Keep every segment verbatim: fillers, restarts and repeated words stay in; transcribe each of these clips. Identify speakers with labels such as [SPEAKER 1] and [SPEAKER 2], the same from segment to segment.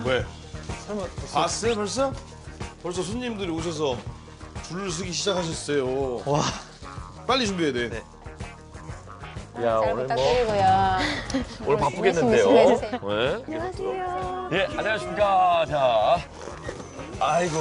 [SPEAKER 1] 왜? 설마 봤어요 벌써? 벌써 손님들이 오셔서 줄을 서기 시작하셨어요.
[SPEAKER 2] 와.
[SPEAKER 1] 빨리 준비해야 돼.
[SPEAKER 2] 네.
[SPEAKER 3] 야,
[SPEAKER 4] 잘
[SPEAKER 3] 오늘 뭐
[SPEAKER 4] 부탁드리고요.
[SPEAKER 3] 오늘 바쁘겠는데요.
[SPEAKER 4] 열심히 해주세요.
[SPEAKER 3] 네?
[SPEAKER 4] 안녕하세요.
[SPEAKER 3] 예, 안녕하십니까. 자, 아이고.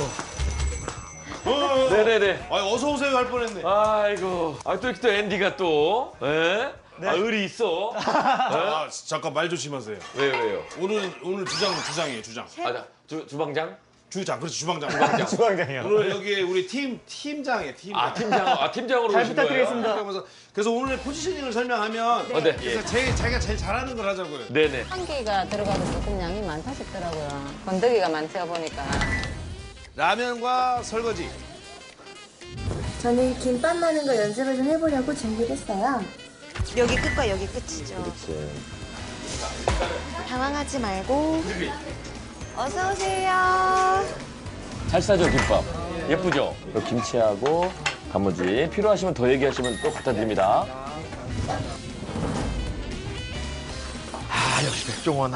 [SPEAKER 3] 네네네.
[SPEAKER 1] 아 어서 오세요 할 뻔했네.
[SPEAKER 3] 아이고. 아, 또 이렇게 또 앤디가 또, 예? 아, 의리 있어.
[SPEAKER 1] 아, 잠깐 말 조심하세요.
[SPEAKER 3] 왜요, 왜요?
[SPEAKER 1] 오늘 오늘 주장 주장이에요 주장.
[SPEAKER 3] 아, 자, 주, 주방장?
[SPEAKER 1] 주장 그렇지 주방장.
[SPEAKER 3] 주방장.
[SPEAKER 2] 주방장이요.
[SPEAKER 1] 오늘 여기 우리 팀 팀장이에요 팀장.
[SPEAKER 3] 아, 팀장, 아, 팀장으로
[SPEAKER 2] 잘
[SPEAKER 3] 오신 거예요?
[SPEAKER 2] 부탁드리겠습니다.
[SPEAKER 1] 그래서 그래서 오늘의 포지셔닝을 설명하면
[SPEAKER 3] 어, 네.
[SPEAKER 1] 그래서 제일 자기가 제일 잘하는 걸 하자고요.
[SPEAKER 3] 네네.
[SPEAKER 4] 한 개가 들어가도 조금 양이 많다 싶더라고요. 건더기가 많다 보니까.
[SPEAKER 1] 라면과 설거지.
[SPEAKER 5] 저는 김밥 마는 거 연습을 좀 해보려고 준비를 했어요.
[SPEAKER 6] 여기 끝과 여기 끝이죠.
[SPEAKER 3] 그렇지.
[SPEAKER 6] 당황하지 말고 어서 오세요.
[SPEAKER 3] 잘 싸죠, 김밥? 예쁘죠? 그리고 김치하고 단무지. 필요하시면 더 얘기하시면 또 갖다 드립니다. 아, 역시 백종원. 아,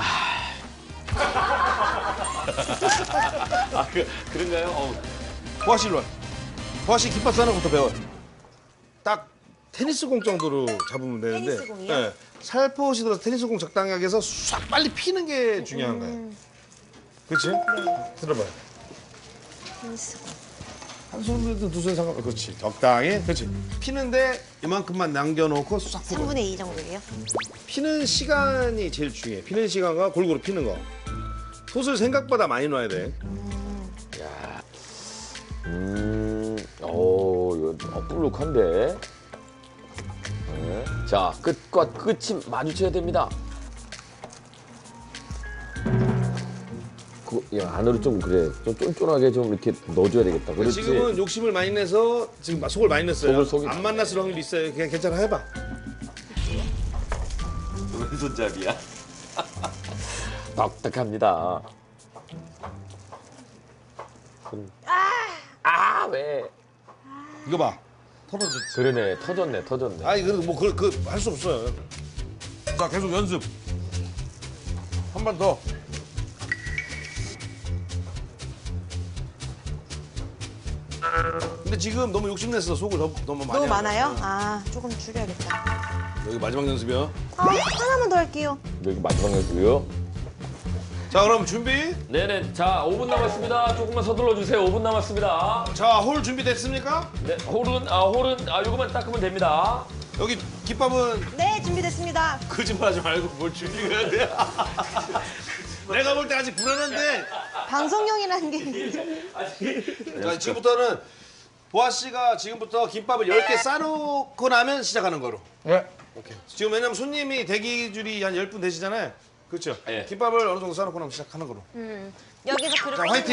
[SPEAKER 3] 아 그, 그런가요? 어우.
[SPEAKER 1] 보아 씨 일로 와. 보아 씨 김밥 싸는 것부터 배워. 딱 테니스 공 정도로 잡으면 되는데.
[SPEAKER 6] 테니스 공이요?
[SPEAKER 1] 네. 살포시 들어서 테니스 공 적당히 하게 해서 싹 빨리 피는 게 중요한 거예요. 그렇지? 들어봐요.
[SPEAKER 6] 테니스 공.
[SPEAKER 1] 한 손으로든 두 손 상관. 그렇지. 적당히. 그렇지. 피는데 이만큼만 남겨놓고 싹 풀어.
[SPEAKER 6] 삼분의 이 정도예요?
[SPEAKER 1] 피는 시간이 제일 중요해. 피는 시간과 골고루 피는 거. 솥을 생각보다 많이 넣어야 돼.
[SPEAKER 3] 음, 오, 이거 어, 볼록한데. 네. 자, 끝과 끝이 마주쳐야 됩니다. 그, 야, 안으로 좀 그래. 좀 쫀쫀하게 좀 이렇게 넣어줘야 되겠다. 그렇지?
[SPEAKER 1] 지금은 욕심을 많이 내서 지금 속을 많이 냈어요.
[SPEAKER 3] 속을, 속이-
[SPEAKER 1] 안 만났을 확률이 있어요. 그냥 괜찮아 해봐.
[SPEAKER 3] 왼손잡이야. 딱딱합니다. 아, 왜?
[SPEAKER 1] 이거 봐. 터졌지.
[SPEAKER 3] 그러네, 터졌네, 터졌네.
[SPEAKER 1] 아니 그래도 뭐 그 그 할 수 없어요. 자 계속 연습. 한 번 더. 근데 지금 너무 욕심냈어. 속을 너무, 너무 많이.
[SPEAKER 6] 너무
[SPEAKER 1] 한
[SPEAKER 6] 많아요?
[SPEAKER 1] 거야.
[SPEAKER 6] 아, 조금 줄여야겠다.
[SPEAKER 1] 여기 마지막 연습이야.
[SPEAKER 6] 아, 하나만 더 할게요.
[SPEAKER 3] 여기 마지막 연습이요?
[SPEAKER 1] 자 그럼 준비.
[SPEAKER 3] 네네, 자, 오 분 남았습니다. 조금만 서둘러 주세요. 오 분 남았습니다.
[SPEAKER 1] 자 홀 준비됐습니까?
[SPEAKER 3] 네, 홀은, 아, 홀은, 아, 요거만 닦으면 됩니다.
[SPEAKER 1] 여기 김밥은
[SPEAKER 6] 네, 준비됐습니다.
[SPEAKER 1] 거짓말하지 말고 뭘 준비해야 돼. 내가 볼 때 아직 불안한데.
[SPEAKER 6] 방송용이라는 게 있는데.
[SPEAKER 1] 자 지금부터는 보아 씨가 지금부터 김밥을 열 개 싸놓고 나면 시작하는 거로.
[SPEAKER 2] 네.
[SPEAKER 1] 오케이. 지금 왜냐면 손님이 대기 줄이 한 열 분 되시잖아요. 그렇죠?
[SPEAKER 3] 예.
[SPEAKER 1] 김밥을 어느 정도 싸놓고 나면 시작하는 거로.
[SPEAKER 6] 여기서 그릇
[SPEAKER 1] 자, 화이팅!